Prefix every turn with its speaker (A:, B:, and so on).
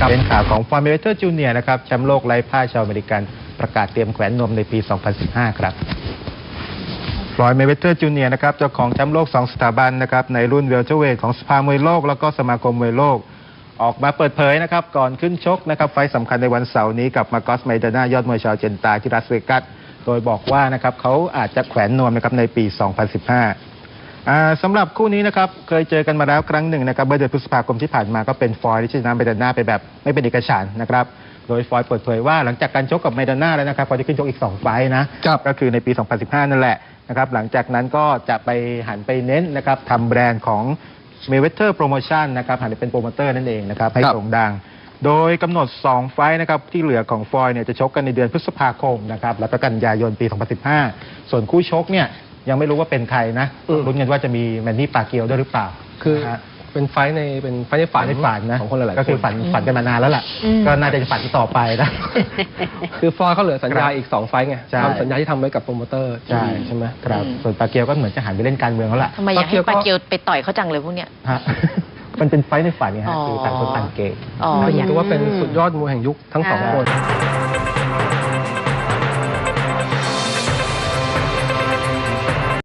A: เป็นข่าวของฟลอยด์ เมเวเธอร์จูเนียร์นะครับแชมป์โลกไร้พ่ายชาวอเมริกันประกาศเตรียมแขวนนมในปี 2015 ครับฟลอยด์ เมเวเธอร์จูเนียร์นะครับเจ้าของแชมป์โลก 2 สถาบันนะครับในรุ่นเวลเตอร์เวทของสภามวยโลกแล้วก็สมาคมมวยโลกออกมาเปิดเผยนะครับก่อนขึ้นชกนะครับไฟต์สำคัญในวันเสาร์นี้กับมาโกส ไมดานายอดมวยชาวเจนตาที่รัสเวกัสโดยบอกว่านะครับเขาอาจจะแขวนนวมนะครับในปี 2015 สำหรับคู่นี้นะครับเคยเจอกันมาแล้วครั้งหนึ่งนะครับเมื่อเดือนพฤษภาคมที่ผ่านมาก็เป็นฟลอยด์ที่ชนะไมดาน่าไปแบบไม่เป็นเอกฉันท์นะครับโดยฟลอยด์เปิดเผยว่าหลังจากการชกกับไมดาน่าแล้วนะครับเขาจะขึ้นชกอีก2ไฟต์นะก็คือในปี 2015 นั่นแหละนะครับหลังจากนั้นก็จะไปหันไปเน้นนะครับทำแบรนด์ของ Mayweather Promotion นะครับหันไปเป็นโปรโมเตอร์นั่นเองนะครับให้โด่งดังโดยกำหนด2ไฟต์นะครับที่เหลือของฟลอยด์เนี่ยจะชกกันในเดือนพฤษภาคมนะครับแล้วก็กันยายนปี 2015 ส่วนคู่ชกเนี่ยยังไม่รู้ว่าเป็นใครนะลุ้นกันว่าจะมีแมนนี่ปาเกียวด้วยหรือเปล่า
B: คือเป็นไฟในฝัน
A: นะ
B: ของคนหลายๆคน
A: ก็คือฝันกันมานานแล้วล่ะก็น่าจะฝันต่อไปนะ
B: คือฟลอยด์เขาเหลือสัญญาอีก2ไฟต์ไงทำสัญญาที่ทำไว้กับโปรโมเตอร์ใช่ไหม
A: ครับส่วนปาเกียวก็เหมือนจะหันไปเล่นการเมืองแล้วล่ะ
C: ทำไมอยากให้ปาเกียวไปต่อยเขาจังเลยพวกเนี้ย
A: มันเป็นไฟในฝันไงฮะคือต่างคนต่างเกย์
B: ถือว่าเป็นสุดยอดมวยแห่งยุคทั้ง2 คน